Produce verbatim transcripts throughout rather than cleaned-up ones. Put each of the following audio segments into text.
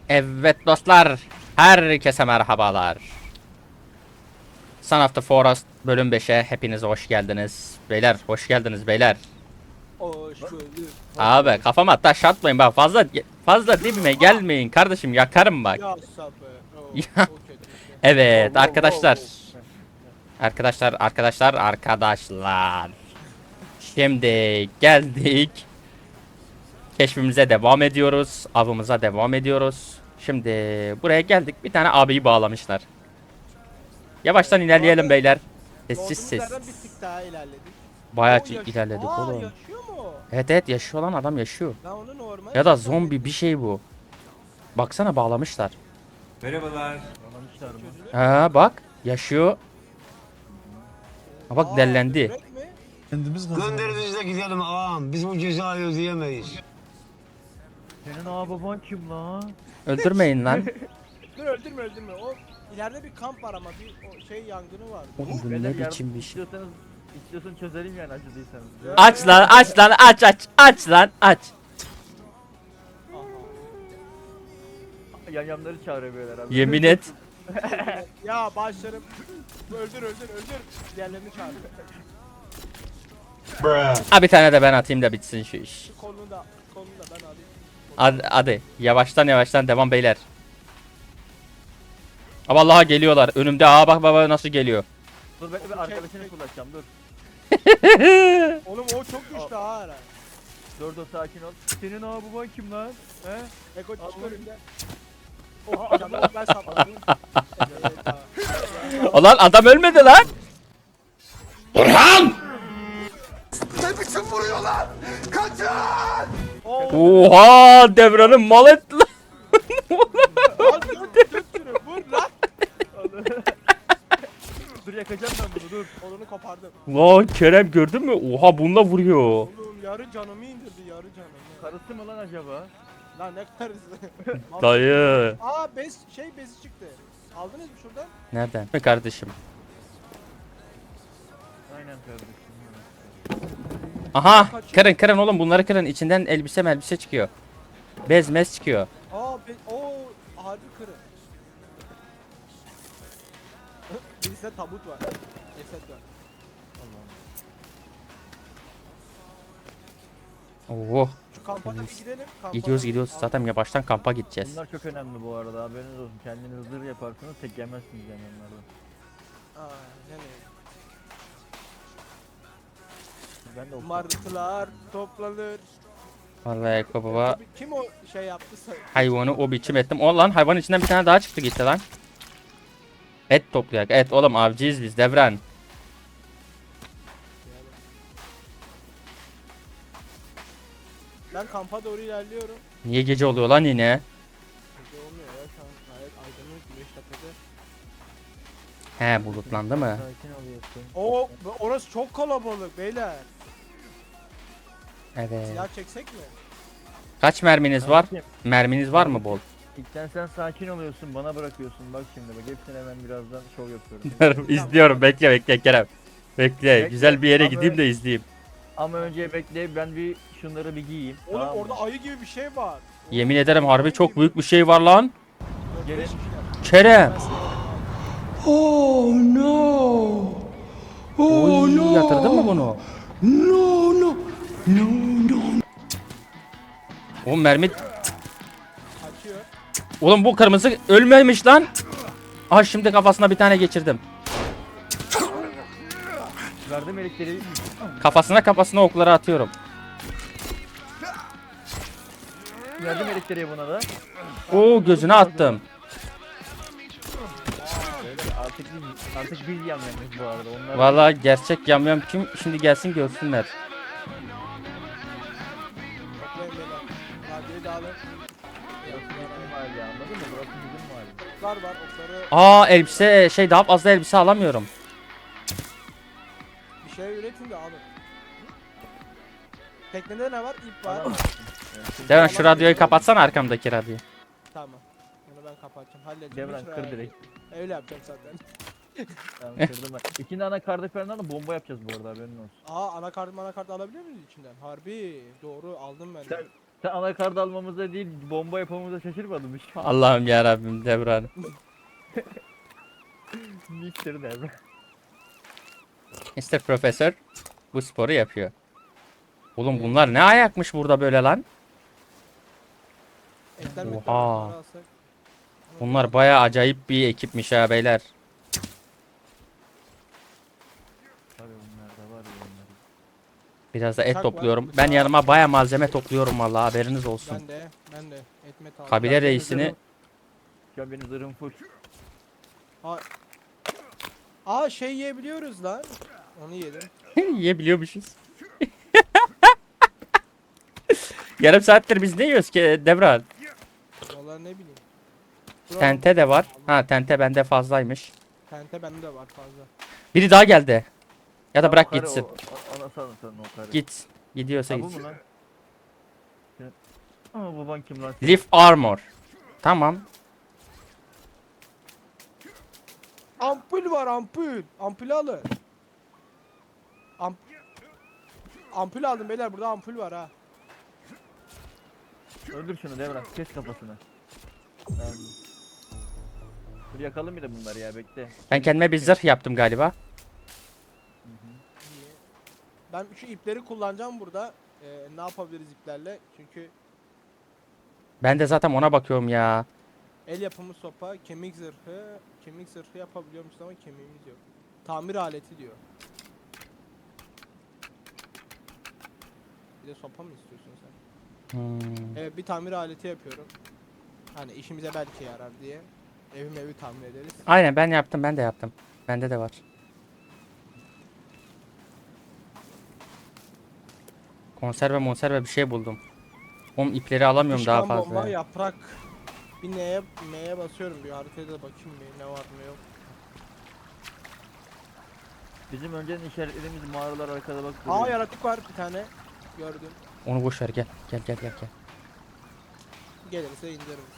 Evet dostlar, herkese merhabalar. Son of the Forest bölüm beşe hepiniz hoş geldiniz. Beyler hoş geldiniz beyler. Hoş bulduk. Abi kafama taş atmayın bak, fazla fazla dibime gelmeyin kardeşim, yakarım bak. Ya sabır. Oo, Ya. o kötü işte. Evet Wow, wow, arkadaşlar. wow, wow. Arkadaşlar arkadaşlar arkadaşlar. Şimdi geldik. Keşfimize devam ediyoruz. Avımıza devam ediyoruz. Şimdi buraya geldik. Bir tane abiyi bağlamışlar. Yavaştan ilerleyelim beyler. Sessiz Doğduğumuz yerden sessiz. bir tık daha ilerledik. Bayağı Oo, yaş- ilerledik Aa, oğlum. yaşıyor mu? Evet evet, yaşıyor lan, adam yaşıyor. Ben onu normal. Ya da zaten zombi bir şey bu. Baksana, bağlamışlar. Anlamışlar mı? Ha bak, yaşıyor. Ha bak, Aa, dellendi. börek mi? Kendimiz kazandık. Gönder bizi de gidelim ağam. Biz bu cezayı ödeyemeyiz. Senin ağababan kim lan? Öldürmeyin lan. Dur öldürme öldürme. O ileride bir kamp var ama bir o şey yangını var. Oğlum bu Beyler ne yardım biçim bir şey. istiyorsanız, istiyorsan çözelim yani acıdıysanız. Ya. Aç lan aç lan aç aç aç lan aç. Aha. Yamyamları çağırıyor beyler abi. Yemin et. Ya başlarım. Öldür öldür öldür. Diğerlerini çağır. Ha bir tane de ben atayım da bitsin şu iş. Şu kolunu da kolunu da ben alayım. Hadi, hadi yavaştan yavaştan devam beyler. Aa vallahi geliyorlar önümde. Aa bak baba nasıl geliyor. Dur bekle ben arkadaşını kullanacağım dur. Oğlum o çok güçlü ha herhalde. Dur dur sakin ol. Senin ağababan kim lan? He? Eko çık Allah. önümden. Oh canım ben sapladım. Evet, tamam. Ulan adam ölmedi lan. Oo. Oha, Devran'ın mal etti lan. Al dur dur şunu vur lan. Dur yakacağım ben bunu dur. Kolunu kopardım. Lan Kerem gördün mü? Oha bununla vuruyor. Oğlum yarı canımı indirdi yarı canımı. Karısı mı lan acaba? Lan ne karısı. Dayı. Aa bez şey bezi çıktı. Aldınız mı şuradan? Nereden? Mi kardeşim? Aynen kardeşim. Aha, kırın kırın oğlum, bunları kırın. İçinden elbise melbise çıkıyor. Bez mez çıkıyor. Aa be o harbi kırı. Birisinde tabut var. Ceset var. Oh. Şu kampa da bir gidelim. Kampa Gidiyoruz da- gidiyoruz. Zaten yavaştan kampa gideceğiz. Bunlar çok önemli bu arada haberiniz olsun. Kendiniz zırh yaparsınız tek yemezsiniz yani onlardan. Aa nereye? Ben de o Martılar toplanır. Vallahi Eko baba, Tabii, kim o şey yaptıysa. hayvanı o biçim ettim. O lan, hayvanın içinden bir tane daha çıktı gitti lan. Et toplayak. Et oğlum, avcıyız biz Devran. Ben kampa doğru ilerliyorum. Niye gece oluyor lan yine? Gece olmuyor ya şu an gayet aydınlık güneş tepede. He, bulutlandı mı? Sakin oluyorsun. Oo orası çok kalabalık beyler. Evet. Silah çeksek mi? Kaç merminiz var? Sakin. Merminiz var mı bol? İlkten sen sakin oluyorsun bana bırakıyorsun bak şimdi bak hepsine ben birazdan şov yapıyorum. İzliyorum, bekle bekle Kerem. Bekle, Bekle. güzel bir yere Ama- gideyim de izleyeyim. Ama önce bekle ben bir şunları bir giyeyim. Oğlum tamam mı? orada ayı gibi bir şey var. Yemin ederim harbi çok büyük bir şey var lan. Gelin. Kerem. Oh no. Oh Oy, no. yatırdın mı bunu? No no. No no. O mermi... Kaçıyor. Oğlum bu kırmızı ölmemiş lan. Ah, şimdi kafasına bir tane geçirdim. Verdim elektriği. Kafasına kafasına okları atıyorum. Verdim elektriği buna da. Oo, gözüne attım. Beyler artık biz, artık biz yamyamız bu arada. Onlar Vallahi gerçek yamyam kim? Şimdi gelsin görsünler. Bekleyin beyler. Radyoyu da alın. Burası bizim mahalle anladın mı? Burası bizim mahalle. Oklar var okları Aa, elbise şey, daha fazla elbise alamıyorum. bir şey üretin de alın. Teknede ne var? İp var. Alamazsın. Devran şu radyoyu kapatsana, arkamdaki radyoyu. Tamam. Bunu ben kapatacağım. Halledeceğim. Devran Hiç kır merak direkt. etme. Öyle yapacağım zaten. Tamam kırdım ben. İki tane kardeş falan da bomba yapacağız bu arada haberin olsun. Aa anakart anakart alabiliyor muyuz içinden? Harbi. Doğru aldım ben. de. Sen Sen anakart almamıza değil bomba yapmamıza şaşırmadın mı? Allah'ım ya Rabbim Devran. mister Devran. mister Profesör bu sporu yapıyor. Oğlum bunlar ne ayakmış burada böyle lan? Ekler Oha. mekler bunları alsak. Bunlar bayağı acayip bir ekipmiş ha beyler. Var ya bunlar da var ya bunlar. Biraz da et Bıçak var, topluyorum. bıçak. Ben yanıma bayağı malzeme topluyorum vallahi haberiniz olsun. Ben de ben de etmet aldım. Kabile reisini Şu an benim zırhım full. Aa şey yiyebiliyoruz lan. Onu yedim. yiyebiliyormuşuz. Yarım saattir biz ne yiyoruz ki Devran? Vallahi ne bileyim. Dur Tente de var. Ha tente bende fazlaymış. Tente bende de var fazla. Biri daha geldi. Ya da Ya bırak o karı, gitsin. O, o, ona salın sana o karı. Git. Gidiyorsa Ha, bu gitsin. mu lan? Ya. Aa baban kim lan? Leaf armor. Tamam. Ampul var ampul. Ampul alın. Amp ampul aldım beyler, burada ampul var ha. Öldür şunu Devran. Kes kafasını. Tamam. Dur yakalım bir de bunları ya bekle. Ben kendime bir zırh yaptım galiba. Ben şu ipleri kullanacağım burada. Ee, ne yapabiliriz iplerle? Çünkü Ben de zaten ona bakıyorum ya. el yapımı sopa, kemik zırhı, kemik zırhı yapabiliyormuş ama kemiğimiz yok. Tamir aleti diyor. Bir de sopa mı istiyorsun sen? Hmm. Evet, bir tamir aleti yapıyorum. Hani işimize belki yarar diye. Evim evi tamir ederiz. Aynen ben yaptım ben de yaptım. Bende de var. Konserve monserve bir şey buldum. Oğlum ipleri alamıyorum daha Düşman bomba, fazla. yaprak. Bir neye, neye basıyorum, bir haritaya da bakayım bir ne var ne yok. Bizim önceden işaretlediğimiz mağaralar arkada bak. Aa, duruyor. yaratık var bir tane. Gördüm. Onu boş ver gel. Gel gel gel gel. Gelirse indiririz.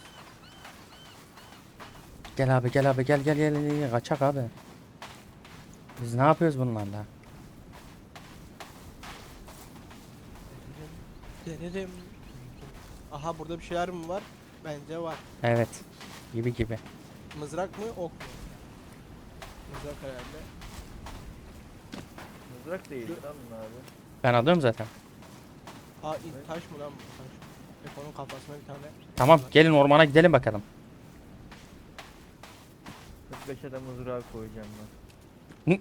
Gel abi gel abi gel gel gel gel, gel. Kaçak abi. Biz ne yapıyoruz bunlarla? Denerim. Aha, burada bir şeyler mi var? Bence var. Evet. Gibi gibi. Mızrak mı, ok mu? Mızrak herhalde. Mızrak değil lan bunlar abi. Ben alıyorum zaten. Aa, in- taş mı lan bu? Taş. Eko'nun kafasına bir tane. Tamam gelin ormana gidelim bakalım. kırk beşe de mızrağı koyacağım ben.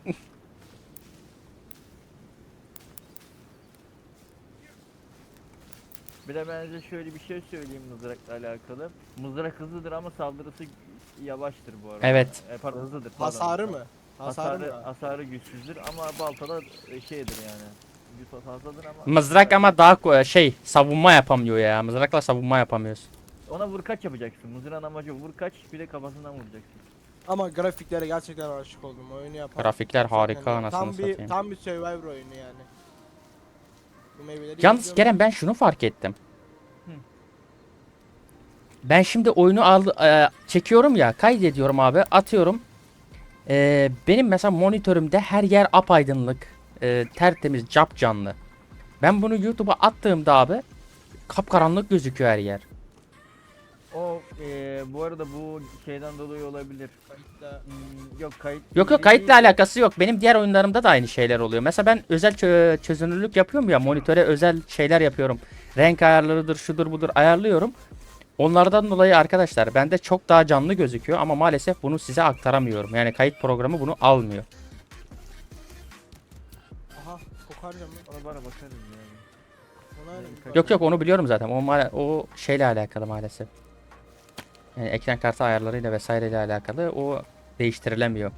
Bir de ben size şöyle bir şey söyleyeyim mızrakla alakalı. Mızrak hızlıdır ama saldırısı yavaştır bu arada. Evet. E, pardon hızlıdır. Pardon. Hasarı mı? Hasarı, Hasarı, mı? hasarı güçsüzdür ama baltada e, şeydir yani. Güç fazladır ama. Mızrak ama daha ko- şey savunma yapamıyor ya. Mızrakla savunma yapamıyoruz. Ona vur kaç yapacaksın. Mızrağın amacı vur kaç bir de kafasından vuracaksın. Ama grafiklere gerçekten aşık oldum. Oyunu yapan. Grafikler harika, Yani anasını tam bir, satayım. tam bir Survivor oyunu yani. Bu meyveleri Yalnız yiyebiliyor Kerem ben şunu fark ettim. Ben şimdi oyunu al e, çekiyorum ya, kaydediyorum abi, atıyorum. E, benim mesela monitörümde her yer apaydınlık, e, tertemiz, capcanlı. Ben bunu YouTube'a attığımda abi kapkaranlık gözüküyor her yer. O e, bu arada bu şeyden dolayı olabilir. Kayıtta- Hmm, yok kayıt. Yok yok, kayıtla alakası yok. Benim diğer oyunlarımda da aynı şeyler oluyor. Mesela ben özel çö- çözünürlük yapıyorum ya, monitöre özel şeyler yapıyorum. Renk ayarlarıdır, şudur budur ayarlıyorum. Onlardan dolayı arkadaşlar bende çok daha canlı gözüküyor ama maalesef bunu size aktaramıyorum. Yani kayıt programı bunu almıyor. Aha, kokarca mı? Ona bana bakarız yani. Ona öyle bir Yok yok, onu biliyorum zaten. O ma- o şeyle alakalı maalesef. Yani ekran kartı ayarlarıyla vesaireyle alakalı, o değiştirilemiyor.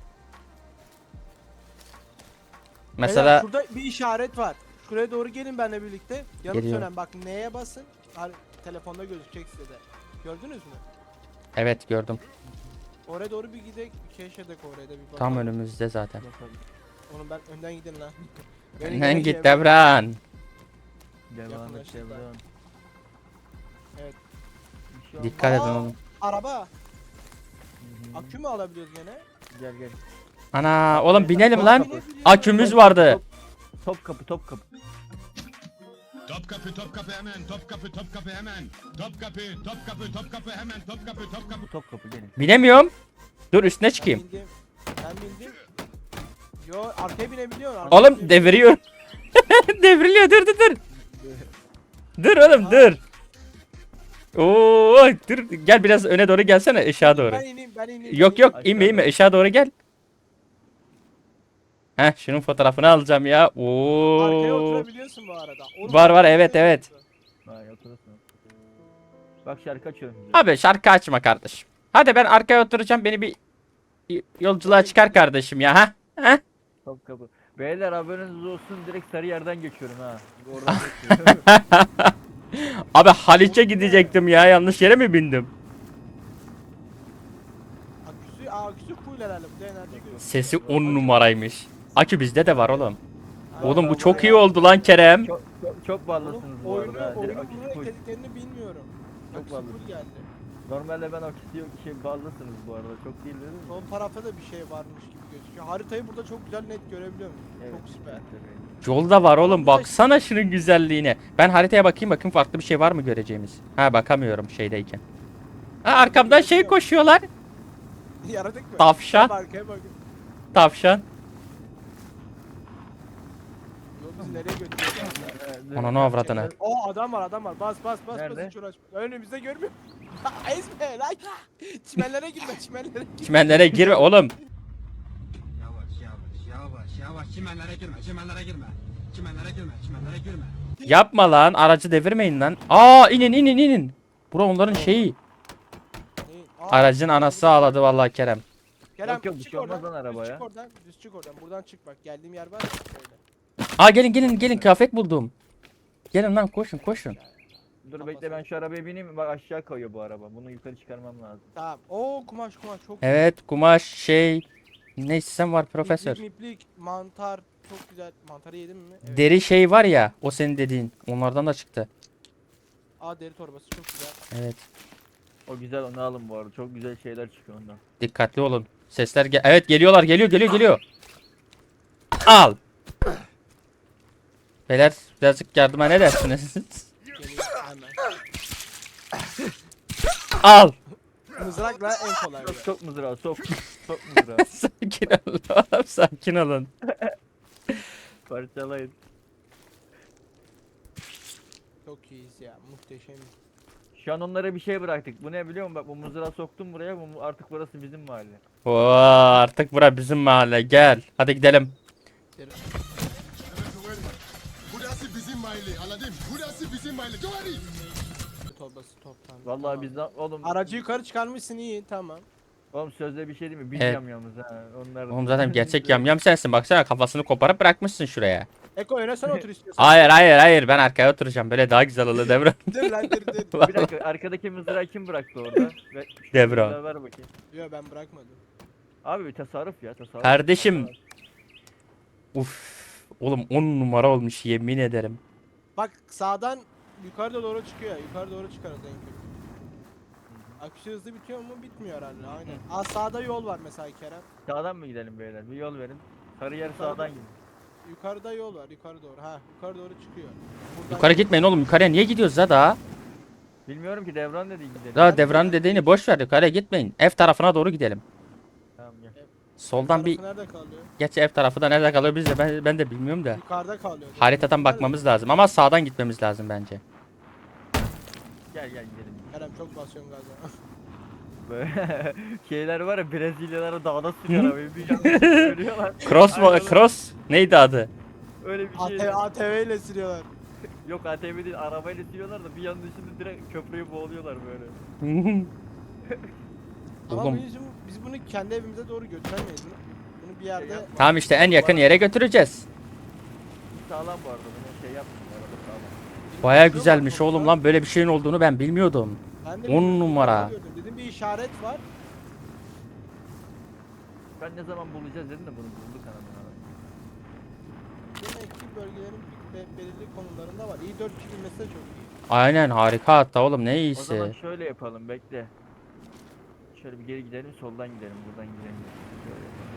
Mesela Beyler, şurada bir işaret var. Şuraya doğru gelin benimle birlikte. Yanıp Geliyorum. sönen, bak neye basın. Har- telefonda gözükecek size de. Gördünüz mü? evet gördüm. Oraya doğru bir gidelim. Bir keşfedek oraya da bir bakalım. Tam önümüzde zaten. Bakalım. Onu ben önden gidin lan. Beni Önden gene git şey- Devran. Devam et Yakınlaştık devam. lan. Evet. Bir şey olmaz. Dikkat edin Aa! oğlum. Araba. Hı hı. Akü mü alabiliyoruz gene? Gel gel. Ana oğlum binelim Aa, lan. binebiliyoruz. Akümüz vardı. Top kapı top kapı. Topkapı, Topkapı hemen, Topkapı, Topkapı hemen. Topkapı, Topkapı, Topkapı hemen, Topkapı, Topkapı. Top kapı gelin. Binemiyorum. Dur üstüne Ben çıkayım. bindim. Ben bindim. Yo arkaya binebiliyorsun. arkaya Oğlum binebiliyorsun. deviriyor. Devriliyor dur dur dur. Dur oğlum dur. Oo dur gel biraz öne doğru gelsene ışığa doğru. Ben ineyim ben ineyim. Yok ben yok Aşağı inme inme doğru. ışığa doğru gel. Heh şunun fotoğrafını alacağım ya. ineyim. Arkaya Oo. oturabiliyorsun bu arada. Oğlum, Var, var, arkaya evet, oturabiliyorsun. Vay oturursun. Bak şarkı açıyorum size. Abi şarkı açma kardeşim. Hadi ben arkaya oturacağım beni bir y- yolculuğa çıkar kardeşim ya ha. Ha? Top kapı. Beyler haberiniz olsun direkt sarı yerden geçiyorum ha. Oradan geçiyorum. Abi Haliç'e gidecektim ya yanlış yere mi bindim? Aküsü, aa, aküsü full herhalde. Bu da enerji görüyor. Sesi on numaraymış. Akü bizde de var oğlum. Aynen. Oğlum bu çok iyi oldu lan Kerem. çok, çok, çok Oğlum, ballısınız bu oyunu, arada. ha. Direkt oyunu aküsü buraya full. dediklerini bilmiyorum. Çok Aküsü vardı. full geldi. Normalde ben aküsü yok şey ballısınız bu arada. Çok değil dedim. Son tarafta da bir şey varmış gibi gözüküyor. Haritayı burada çok güzel net görebiliyorum. Çok süper. Yolda var oğlum baksana şunun güzelliğine. Ben haritaya bakayım bakayım farklı bir şey var mı göreceğimiz. Ha bakamıyorum şeydeyken. Ha arkamdan şey koşuyorlar. Yaradık mı? Tavşan. Tam arkaya bakın. Tavşan. Yol bizi nereye götürüyor? Ananı avradını. O adam var adam var. Bas bas bas Nerede? bas hiç uğraşma. Önümüzde görmüyor. Ezme lan. Çimenlere girme çimenlere girme. Çimenlere girme oğlum. Yavaş yavaş yavaş yavaş çimenlere girme çimenlere girme. Çimenlere girme çimenlere girme. Yapma lan aracı devirmeyin lan. Aa inin inin inin. Bura onların şeyi. Aa, Aracın anası ağladı vallahi Kerem. Kerem, Yok, yok, bir çık şey olmaz oradan, lan arabaya. Düz çık oradan. Düz çık oradan. Buradan çık bak. Geldiğim yer var ya. Şöyle. Aa gelin gelin gelin kıyafet buldum. Gelin lan koşun koşun. Dur bekle ben şu arabaya bineyim. Bak aşağı kayıyor bu araba. Bunu yukarı çıkarmam lazım. Tamam. Oo kumaş kumaş çok Evet kumaş şey. Neyse sen var profesör. İplik, miplik, mantar çok güzel. Mantarı yedin mi? Evet. Deri şey var ya o senin dediğin. Onlardan da çıktı. Aa deri torbası çok güzel. Evet. O güzel onu alın bu arada. Çok güzel şeyler çıkıyor ondan. Dikkatli olun. Sesler gel. Evet geliyorlar geliyor geliyor geliyor. Al. Beyler birazcık yardıma ne dersiniz? Geliyor hemen. Al. Mızrakla en kolay. Sok sok mızrağı sok. Sok mızrağı. Sakin olun oğlum sakin olun. Parçalayın. Çok iyiyiz ya. Muhteşem. Şu an onlara bir şey bıraktık. Bu ne biliyor musun? Bak bu mızrağı soktum buraya. Bu artık burası bizim mahalle. Oo, artık bura bizim mahalle gel. Hadi gidelim. Burası bizim mahalle, anladın? Burası bizim mahalle. Doğru. Torbası toptan. Vallahi Tamam. bizden oğlum. Aracı yukarı çıkarmışsın iyi tamam. Oğlum sözde bir şey değil mi? Biz Evet. yamyamız ha. Onlar. Oğlum zaten gerçek yamyam sensin. Baksana kafasını koparıp bırakmışsın şuraya. Eko öne sen otur istiyorsan. Hayır hayır hayır ben arkaya oturacağım. Böyle daha güzel olur Devran. Dur lan dur dur. Bir dakika arkadaki mızrağı kim bıraktı orada? Ve şu Devran. mızrağı ver bakayım. Yo ben bırakmadım. Abi bir tasarruf ya tasarruf. Kardeşim. Uf. Oğlum on numara olmuş yemin ederim. Bak sağdan yukarıda doğru çıkıyor. Yukarı doğru çıkarız en kötü. Aküsü hızlı bitiyor mu? Bitmiyor herhalde. Aynen. Aa sağda yol var mesela Kerem. Sağdan mı gidelim beyler? Bir yol verin. Sarı yer Yukarıda- sağdan gidin. Yukarıda yol var. Yukarı doğru. Ha yukarı doğru çıkıyor. Buradan Yukarı gitmeyin oğlum yukarıya niye gidiyoruz la daha? Bilmiyorum ki Devran dedi gidelim. Daha Devran'ın dediğini boş ver yukarıya gitmeyin. Ev tarafına doğru gidelim. Tamam gel. Soldan bir Tarafı nerede kalıyor? geç ev tarafı da nerede kalıyor biz de ben, ben de bilmiyorum da. Yukarıda kalıyor. Haritadan Nerede? bakmamız lazım ama sağdan gitmemiz lazım bence. Gel gel gidelim. Kerem çok basıyorsun gaza. Böyle şeyler var ya Brezilyalara dağda sürüyor arabayı. Bir yanlış söylüyorlar. Cross mu? Aynen. Cross neydi adı? Öyle bir şey. ATV, A T V ile sürüyorlar. Yok A T V değil arabayla sürüyorlar da bir yanlışında direkt köprüyü boğuluyorlar böyle. Ama Oğlum. bizim, biz bunu kendi evimize doğru götüremeyiz. Bunu, bunu bir yerde... yapma. Tamam işte en yakın yere götüreceğiz. Sağlam bu arada bunu şey yapmıyor araba sağlam. Baya güzelmiş oğlum lan böyle bir şeyin olduğunu ben bilmiyordum. Ben de on bilmiyorum, numara. gördüm. Dedim bir işaret var. Ben ne zaman bulacağız dedim de bunu bulduk anamına. Demek ki bölgelerin be- belirli konularında var. İyi dört kişi bilmesi de çok iyi. Aynen harika hatta oğlum ne O zaman iyisi. şöyle yapalım bekle. Şöyle bir geri gidelim soldan gidelim buradan gidelim. Şöyle yapalım.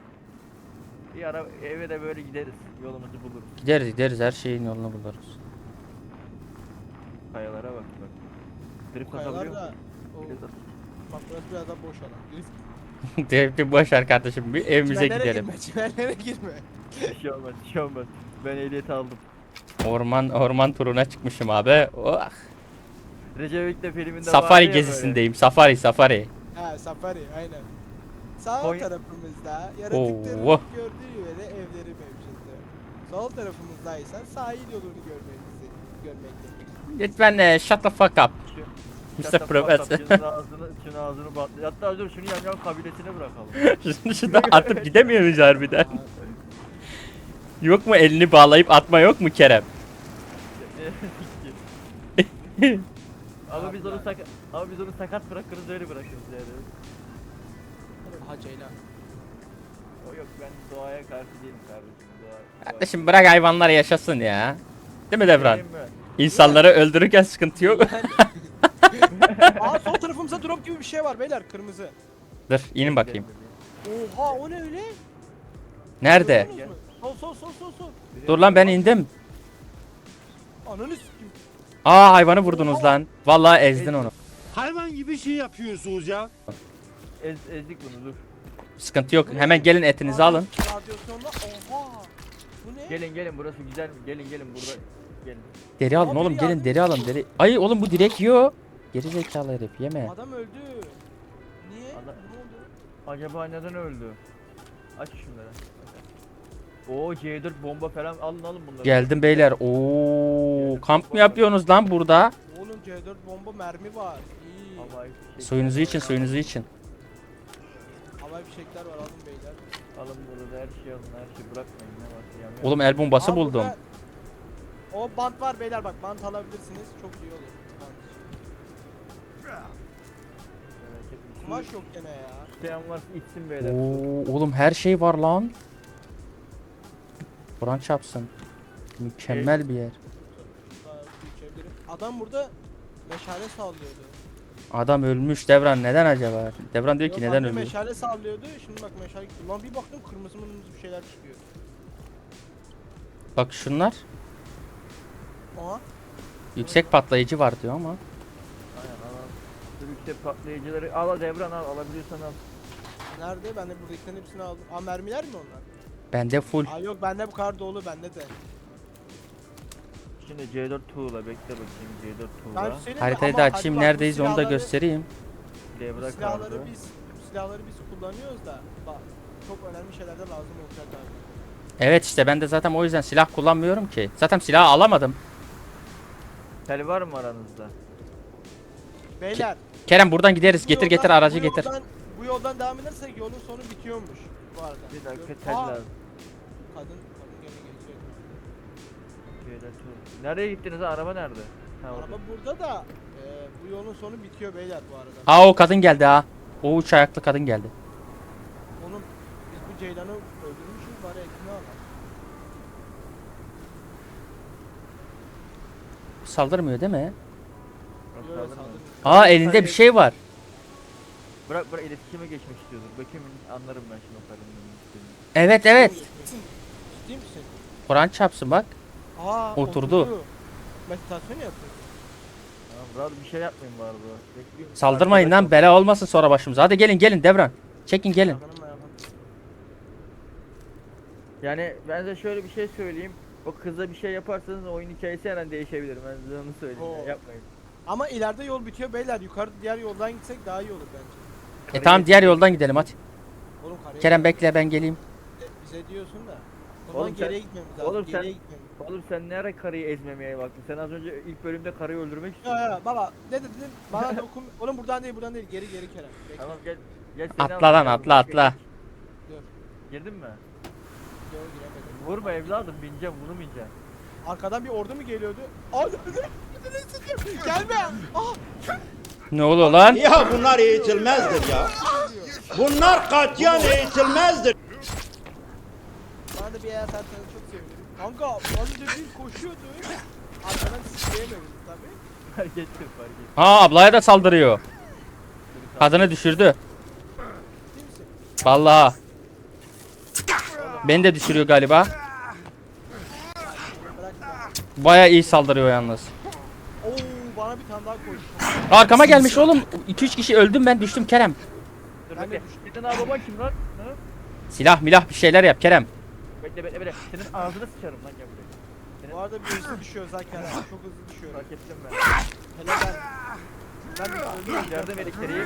Bir ara eve de böyle gideriz yolumuzu buluruz. Gideriz gideriz her şeyin yolunu buluruz. Kayalara bak bak. Drift Kayalar atabiliyor da. musun? O, Drift at- bak burası biraz daha boş alan. Drift- Devletli boş ver kardeşim. Bir evimize Çimenlere gidelim. girme, çimenlere girme. Bir şey olmaz, bir şey olmaz. Ben ehliyeti aldım. Orman orman turuna çıkmışım abi. Oh. Recep İvedik filminde vardı Safari ya gezisindeyim. Safari safari. Ha safari aynen. Sağ Koy- tarafımızda yaratıkların Oo. gördüğü yere evleri mevcuttu. Sol tarafımızda ise sahil yolunu görmemizi görmektedir. Lütfen e, shut the fuck up. böyle. mister Şatap Professor. patap, Şunun ağzını, şunun ağzını batlı. Hatta dur şunu yan yan kabilesine bırakalım. Şunu şuradan atıp gidemiyor muyuz harbiden? Yok mu elini bağlayıp atma yok mu Kerem? ama biz onu sakat ama biz onu sakat bırakırız öyle bırakırız yani. Ha Ceylan. O yok ben doğaya karşı değilim kardeşim. Doğa, doğa. Kardeşim bırak hayvanlar yaşasın ya. Değil mi Devran? Değil mi? İnsanları öldürürken sıkıntı yok. Aa sol tarafımızda drop gibi bir şey var beyler kırmızı. Dur inin bakayım. Oha o ne öyle? Nerede? Gördünüz mü? Sol sol sol sol sol. Dur lan ben indim. Ananı sikeyim. Aa hayvanı vurdunuz lan. Vallahi ezdin onu. Hayvan gibi şey yapıyorsunuz ya. Ez, ezdik bunu dur. Sıkıntı yok. Hemen gelin etinizi alın. Radyasyonda oha. Bu ne? Gelin gelin burası güzel mi? Gelin gelin burada. Gelin. Deri alın Abi oğlum ya. gelin deri alın deri. Ay oğlum bu direkt yiyor. Geri zekalı herif yeme. Adam öldü. Niye? Adam- Ne oldu? Acaba neden öldü? Aç şunları. Oo C dört bomba falan alın alın bunları. Geldim beyler. Oo kamp mı yapıyorsunuz lan burada? Oğlum C dört bomba mermi var. İyi. Havai fişek. Suyunuzu için suyunuzu için. Havai fişekler var alın beyler. Alın burada her şey alın her şey bırakmayın ne var yanıyor. Oğlum el bombası Aa, buldum. burada- O bant var beyler bak bant alabilirsiniz. Çok iyi olur. Bant. Merak etmeyin. Kumaş yok gene ya. İsteyen varsa içsin beyler. Oo oğlum her şey var lan. Kur'an çarpsın. Mükemmel bir yer. Daha içebilirim. Adam burada meşale sallıyordu. Adam ölmüş Devran neden acaba? Devran diyor ki Yok, neden abi ölmüş? meşale sallıyordu. Şimdi bak meşale gitti. Lan bir baktım kırmızı mırmızı bir şeyler çıkıyor. Bak şunlar Aha. yüksek patlayıcı var diyor ama. Aynen al al. Şu yüksek patlayıcıları al al Devran al alabiliyorsan al. Nerede? Ben de buradakilerin hepsini aldım. Aa mermiler mi onlar? Bende full. Aa yok bende bu kadar dolu bende de. Şimdi C dört tuğla bekle bakayım C dört Ben tuğla. söyleyeyim mi? Haritayı Ama da hadi açayım bak, bu neredeyiz onu da silahları- göstereyim. bu Devra silahları kaldı. biz bu silahları biz kullanıyoruz da bak çok önemli şeylerde lazım olacak abi. Evet işte ben de zaten o yüzden silah kullanmıyorum ki. Zaten silahı alamadım. Tel var mı aranızda? Beyler. Kerem buradan gideriz. bu Getir yoldan- getir aracı bu getir. Yoldan, bu yoldan devam edersek yolun sonu bitiyormuş bu arada. Bir dakika Gör- tel Aa, lazım. Kadın, kadın gene geçiyor. C dört tuğla. Nereye gittiniz ha? Araba nerede? Ha, orada. Araba burada da e, bu yolun sonu bitiyor beyler bu arada. Aa o kadın geldi ha. O üç ayaklı kadın geldi. Oğlum biz bu Ceylan'ı öldürmüşüz bari ekmeği alalım. Saldırmıyor değil mi? Yok, Yok, saldırma. saldırmıyor. Aa elinde bir şey var. Bırak bırak iletişime geçmek istiyordur. Bakayım anlarım ben şimdi o karının istediğini. Evet evet. Ciddi misin? Kur'an çarpsın bak. Aa Oturdu. Meditasyon yapıyor. Tamam rahat bir şey yapmayın bari bu. Bekliyorum. Saldırmayın lan bela olmasın sonra başımıza. Hadi gelin gelin Devran. Çekin gelin. Yapalım, yapalım. Yani ben size şöyle bir şey söyleyeyim. O kıza bir şey yaparsanız oyun hikayesi her an değişebilir. Ben size onu söyleyeyim. Oo. Yani. Yapmayın. Ama ileride yol bitiyor beyler. Yukarı diğer yoldan gitsek daha iyi olur bence. E tamam diğer yoldan gidelim hadi. Oğlum karaya Kerem bekle ben geleyim. bize diyorsun da. O zaman Oğlum sen- geriye gitmemiz lazım. Oğlum sen- geriye gitmemiz. Oğlum sen ne ara karıyı ezmemeye baktın? Sen az önce ilk bölümde karıyı öldürmek Ya istiyordun. ya baba ne dedin? Bana dokun. Oğlum buradan değil buradan değil. Geri geri Kerem. Bekle. Tamam gel. Gel seni Atla alayım, lan gel atla buraya. atla. Girdin mi? Yok, giremedim. Vurma evladım bineceğim vurmayacağım. Arkadan bir ordu mu geliyordu? Aa dur dur. Gelme. Ah. Ne oluyor lan? Ya bunlar eğitilmezdir ya. Bunlar katiyen eğitilmezdir. Bana da bir yer atarsanız çok sevinirim. Kanka az önce bir koşuyordu. Arkadan sikleyemedim tabii. Fark ettim fark ettim. Ha ablaya da saldırıyor. Kadını düşürdü. Değil misin? Vallahi. Beni de düşürüyor galiba. Bırak. Baya iyi saldırıyor yalnız. Oo. tane daha koydum. Arkama gelmiş oğlum. iki üç kişi öldüm ben düştüm Kerem. Dur Ben de bekle. düştüm. Senin abi baban kim lan? Ha? Silah milah bir şeyler yap Kerem. Bekle bekle bekle. Senin ağzını sıçarım lan gel buraya. Senin Bu arada bir hızlı düşüyor zaten. Çok hızlı düşüyor. fark ettim ben. Hele ben. Ben öldüm. Yardım elektriği.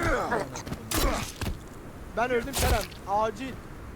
Ben öldüm Kerem. Acil.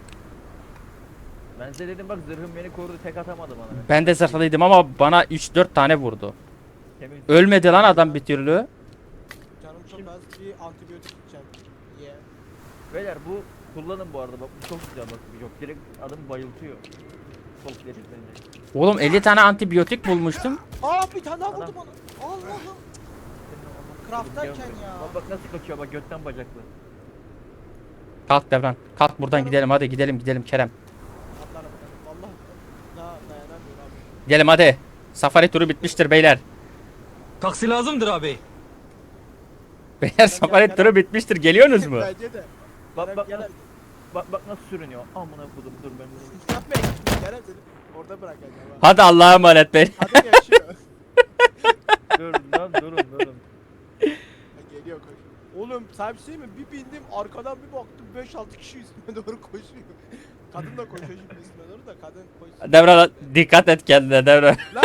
Ben size dedim bak zırhım beni korudu tek atamadı bana. Ben de zırhlıydım ama bana üç dört tane vurdu. Kemik. Ölmedi lan adam bir türlü. Canım çok az. Bir antibiyotik içeceğim. Ye. Beyler bu kullanın bu arada bak bu çok güzel bak. Yok direkt adamı bayıltıyor. Sol bence. Oğlum elli tane antibiyotik bulmuştum. Aa bir tane daha Adam. vurdu bana. Allah'ım. Craft'tayken ya. Bak bak nasıl kaçıyor bak götten bacaklı. Kalk Devran. Kalk buradan gidelim hadi gidelim gidelim Kerem. Atlarım. Vallahi daha dayanamıyorum abi. Gidelim hadi. Safari turu bitmiştir beyler. Taksi lazımdır abi. Beyler safari turu bitmiştir. Geliyorsunuz mu? Bence de. Bak Kerem, bak Kerem. nasıl, bak bak nasıl sürünüyor. Amına kodum dur ben bunu. Yapmayın. Kerem seni orada bırak acaba. Hadi Allah'a emanet beyler. Kadın yaşıyor. Dur lan durun durun. Geliyor koş. Oğlum sen bir şey mi? Bir bindim arkadan bir baktım beş altı kişi üstüme doğru koşuyor. Kadın da koşuyor şimdi üstüme doğru da kadın koşuyor. Devran dikkat et kendine Devran. Lan!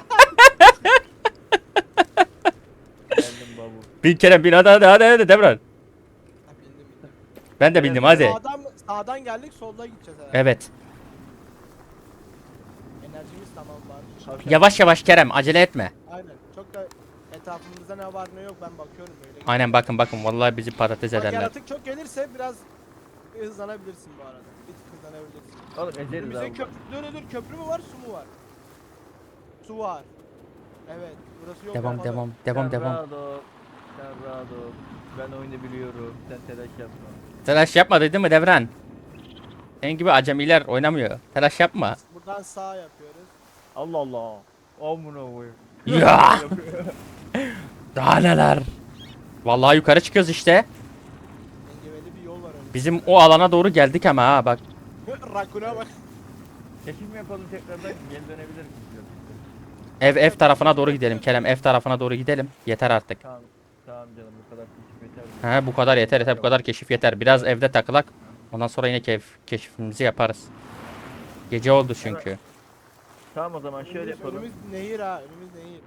Geldim babu. Bin Kerem bin hadi hadi hadi, hadi Devran. Ha, bindim bindim. Ben de bindim hadi. Sağdan, sağdan geldik soldan gideceğiz herhalde. Evet. Enerjimiz tamam var. Yavaş yavaş Kerem acele etme. Aynen. Çok da etrafımızda ne var ne yok ben bakıyorum böyle. Aynen bakın bakın vallahi bizi patates Bak, ederler. yaratık çok gelirse biraz hızlanabilirsin bu arada. Bir tık hızlanabilirsin. Oğlum ezeriz Önümüzde abi. köprü, dur dur dur köprü mü var su mu var? Su var. Evet burası yok. Devam kapalı. devam devam Sen devam. rahat ol. Sen rahat ol. Ben oyunu biliyorum. Sen telaş yapma. Telaş yapma dedim mi Devran? Senin gibi acemiler oynamıyor. Telaş yapma. Buradan sağ yapıyoruz. Allah Allah. Amına koyayım. Ya! Daha neler? Vallahi yukarı çıkıyoruz işte. Engebeli bir yol var önümüzde. Bizim o alana doğru geldik ama ha bak. Rakuna bak. Keşif mi yapalım tekrardan geri dönebilir miyiz? Ev ev tarafına doğru gidelim Kerem. Ev tarafına doğru gidelim. Yeter artık. Tamam. Tamam canım bu kadar keşif yeter. He bu kadar yeter yeter bu kadar keşif yeter. Biraz evde takılak. Ondan sonra yine keyif, keşifimizi yaparız. Gece oldu çünkü. Tamam o zaman şöyle Önümüz, yapalım. önümüz nehir ha. Önümüz nehir.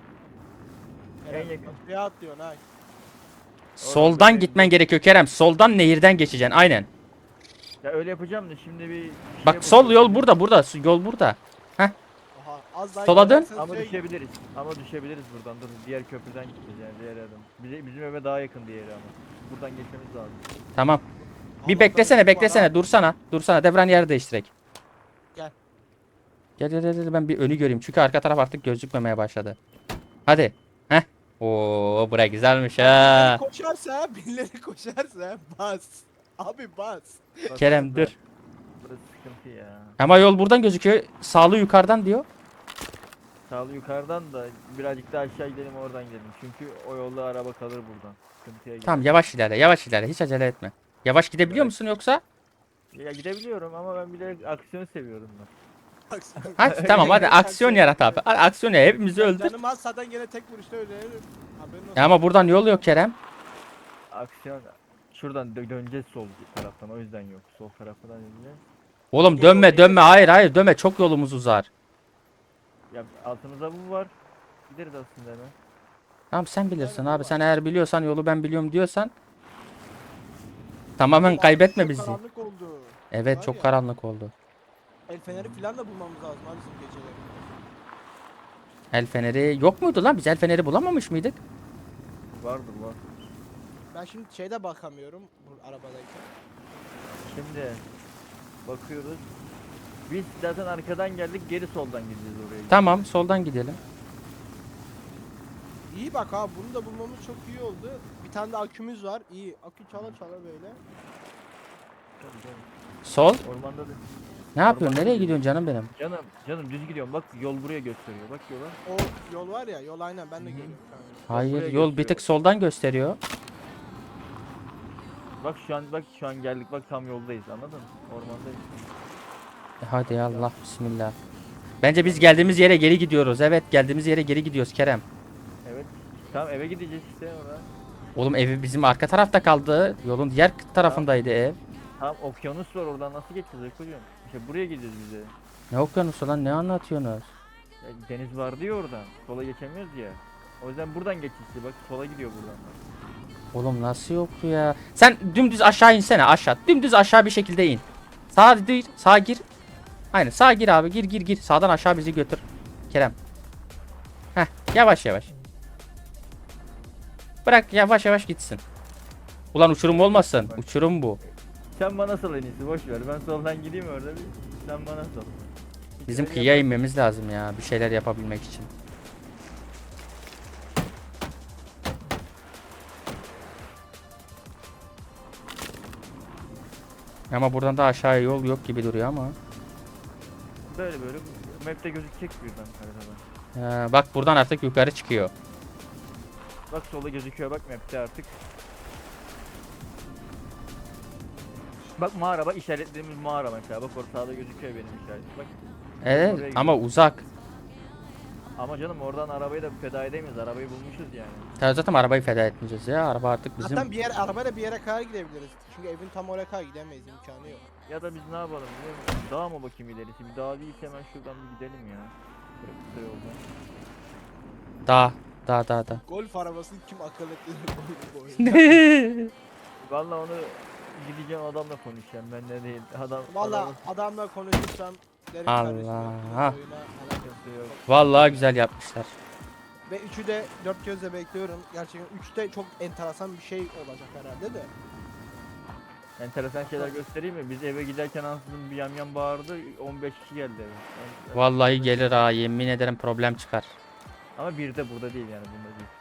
En yakın. Köprüye atlıyorsun ha. Soldan gitmen gerekiyor Kerem. Soldan nehirden geçeceksin aynen. Ya öyle yapacağım da şimdi bir... Bak şeye sol bakıyorum. yol burada burada. Yol burada. Aha, az daha Sola dön. giderseniz Ama şey- düşebiliriz. Ama düşebiliriz buradan. Dur diğer köprüden gideceğiz yani diğer yerden. Bize, bizim eve daha yakın diğeri ama. Buradan geçmemiz lazım. Tamam. Bir Allah'tan beklesene su var beklesene ha. dursana. Dursana Devran yer değiştirek. Gel. Gel gel gel gel, ben bir önü göreyim. Çünkü arka taraf artık gözükmemeye başladı. Hadi. Heh. Oo bura güzelmiş ha. Birileri koşarsa, birileri koşarsa bas. Abi bas. Bak, Kerem burası- dur. Burası sıkıntı ya. Ama yol buradan gözüküyor. Sağlı yukarıdan diyor. Sağlı yukarıdan da birazcık daha aşağı gidelim oradan gidelim. Çünkü o yolda araba kalır buradan. Sıkıntıya girer. Tamam yavaş ilerle yavaş ilerle. Hiç acele etme. Yavaş gidebiliyor Evet. musun yoksa? Ya gidebiliyorum ama ben bilerek aksiyon seviyorum ben. Bak sen- Hadi tamam hadi aksiyon yarat abi. Hadi aksiyon ya hepimizi öldür. Canım az zaten gene tek vuruşta öldürürüm. Haberin olsun. Ya ama buradan yol yok Kerem. Aksiyon şuradan dö- döneceğiz sol taraftan o yüzden yok. Sol taraftan döneceğiz. Oğlum dönme dönme hayır hayır dönme çok yolumuz uzar. Ya altımızda bu var. Gideriz aslında hemen. Tamam sen bilirsin abi sen eğer biliyorsan yolu ben biliyorum diyorsan. Tamamen kaybetme Çok bizi. Karanlık oldu. Evet Var çok ya. karanlık oldu. El feneri falan da bulmamız lazım abi bizim geceleri. El feneri yok muydu lan? Biz el feneri bulamamış mıydık? Vardır var. Ben şimdi şeyde bakamıyorum bu arabadayken. Şimdi bakıyoruz. Biz zaten arkadan geldik geri soldan gideceğiz oraya. Tamam soldan gidelim. İyi bak abi bunu da bulmamız çok iyi oldu. Bir tane de akümüz var. İyi. Akü çala çala böyle. Tabii, tabii. Sol. Ormanda da. Ne yapıyorsun? Nereye gidiyorsun canım benim? Canım canım düz gidiyorum bak yol buraya gösteriyor bak yola. O yol var ya yol aynen ben de görüyorum şu an. Hayır buraya yol bir gösteriyor. tek soldan gösteriyor. Bak şu an bak şu an geldik bak tam yoldayız anladın mı? Ormandayız. E hadi ya Allah bismillah. Bence biz geldiğimiz yere geri gidiyoruz. Evet geldiğimiz yere geri gidiyoruz Kerem. Evet. Tamam eve gideceğiz işte orada. Oğlum evi bizim arka tarafta kaldı. Yolun diğer tarafındaydı ev. Tamam okyanus var oradan nasıl geçeceğiz Ekocuğum? İşte buraya gideceğiz biz de. Ne okyanusu lan, ne anlatıyorsunuz? Ya, deniz vardı ya oradan. Sola geçemiyoruz ya. O yüzden buradan geç işte bak sola gidiyor buradan. Oğlum nasıl yok ya? Sen dümdüz aşağı insene, aşağı. Dümdüz aşağı bir şekilde in. Sağa değil, sağa gir. Aynen sağa gir abi, gir gir gir. Sağdan aşağı bizi götür. Kerem. Heh, yavaş yavaş. Bırak yavaş yavaş gitsin. Ulan uçurum olmasın. Uçurum bu. Sen bana sal en iyisi boş ver. Ben soldan gideyim orada bir. Sen bana sal. Bizim kıyıya inmemiz lazım ya, bir şeyler yapabilmek için. Ama buradan da aşağıya yol yok gibi duruyor ama. Böyle böyle map'te gözükecek birden haritada. Ee, bak buradan artık yukarı çıkıyor. Bak sola gözüküyor bak map'te artık. Bak mağara bak işaretlediğimiz mağara mesela bak orada sağda gözüküyor benim işaretim bak. Evet Oraya ama uzak. Ama canım oradan arabayı da feda edemeyiz arabayı bulmuşuz yani. Ya zaten arabayı feda etmeyeceğiz ya. Araba artık bizim. Zaten bir yer arabayla bir yere kadar gidebiliriz. Çünkü evin tam oraya kadar gidemeyiz, imkanı yok. Ya da biz ne yapalım biliyor musun? Dağa mı bakayım ilerisi bir dağ değilse hemen şuradan bir gidelim ya. Böyle kısa yoldan. Dağ. Dağ dağ dağ. Golf arabasını kim akıl etti bu oyunda? Valla onu gideceğim adamla konuşacağım ben de değil. Adam Valla adamın adamla konuşursam derim Allah. kardeşim, oyuna alakası sıkıntı yok. Vallahi güzel yapmışlar. Ve üçü de dört gözle bekliyorum. Gerçekten üçte çok enteresan bir şey olacak herhalde de. Enteresan şeyler göstereyim mi? Biz eve giderken ansızın bir yamyam bağırdı. on beş kişi geldi eve. Yani- Vallahi gelir ha, yemin ederim problem çıkar. Ama bir de burada değil yani bunda değil.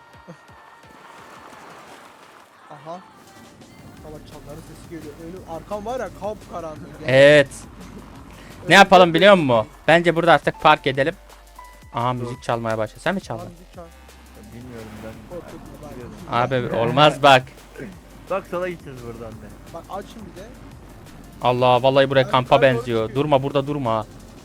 Aha. Ama çanların sesi geliyor. Önüm arkam var ya kapkaranlık. Yani. Evet. Ne Önümde yapalım biliyor musun? böyle- Bence burada artık park edelim. Aha müzik çalmaya başladı. Sen mi çaldın? Abi lütfen, Ya Bilmiyorum ben. korkutma Biliyordum. bak. Abi olmaz bak. Bak sola gideceğiz buradan da. Bak açın bir de. Allah vallahi buraya Abi kampa yukarı doğru benziyor. çıkıyor. Durma burada durma.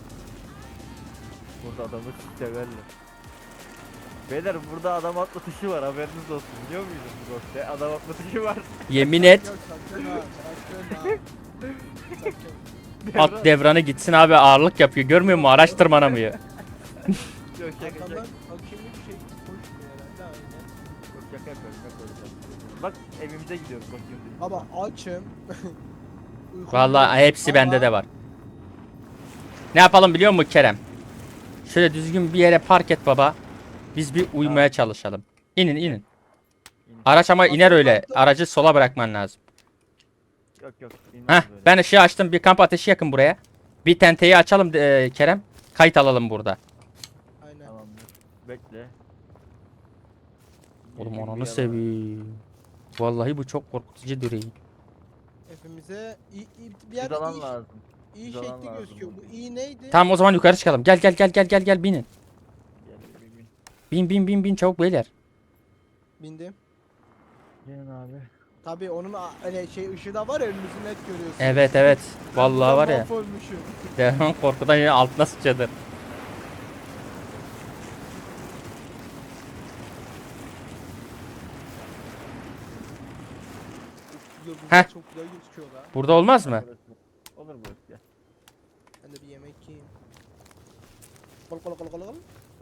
Burada adamı severler. Beyler burada adam atlatışı var haberiniz olsun biliyor muydunuz bu golfte? Adam atlatışı var. Yemin et. Yok sakın ha. Sakın ha. Sakın. At devranı gitsin abi, ağırlık yapıyor. Görmüyor musun? Araç tırmanamıyor. Yok şaka şaka. Arkamdan bakayım bir şey koşmuyor herhalde aynen. Yok şaka yapıyorum şaka yapıyorum. Bak evimize gidiyoruz bakayım. Baba açım. Uykum Vallahi yok. hepsi bende Ama de var. Ne yapalım biliyor musun Kerem? Şöyle düzgün bir yere park et baba. Biz bir uyumaya çalışalım. İnin inin. Araç ama iner öyle. Aracı sola bırakman lazım. Yok yok. inmez Heh, böyle. ben ışığı açtım. Bir kamp ateşi yakın buraya. Bir tenteyi açalım e, Kerem. Kayıt alalım burada. Aynen. Tamamdır. Bekle. Oğlum Yeşil bir ananı yalan. seveyim. Vallahi bu çok korkutucu duruyor. Hepimize iyi, iyi, bir Bir yerde dalan iyi, lazım. iyi bir dalan şekli lazım gözüküyor. burada. Bu iyi neydi? Tamam o zaman yukarı çıkalım. Gel gel gel gel gel gel binin. Gel bir bin. Bin bin bin bin çabuk beyler. Bindim. Gelin abi. Tabii onun a- öyle şey ışığı da var ya, önümüzü net görüyorsun. Evet evet. Vallahi var ya. Mahvolmuşum. Devran korkudan yine altına sıçradı. Yıldızlar Heh. çok güzel gözüküyor da. Burada olmaz mı? Burası. Olur burası gel. Ben de bir yemek yiyeyim. Kol kol kol kol kol.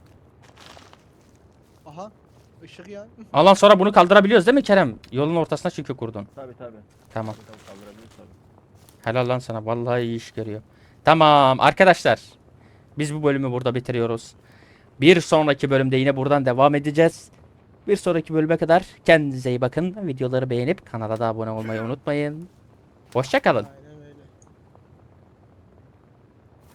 Aha. Işık ya. Alan sonra bunu kaldırabiliyoruz değil mi Kerem? Yolun ortasına çünkü kurdun. Tabi tabi. Tamam. Kaldırabiliriz tabi. Helal lan sana. Vallahi iyi iş görüyor. Tamam arkadaşlar. Biz bu bölümü burada bitiriyoruz. Bir sonraki bölümde yine buradan devam edeceğiz. Bir sonraki bölüme kadar kendinize iyi bakın. Videoları beğenip kanala da abone olmayı unutmayın. Hoşça kalın.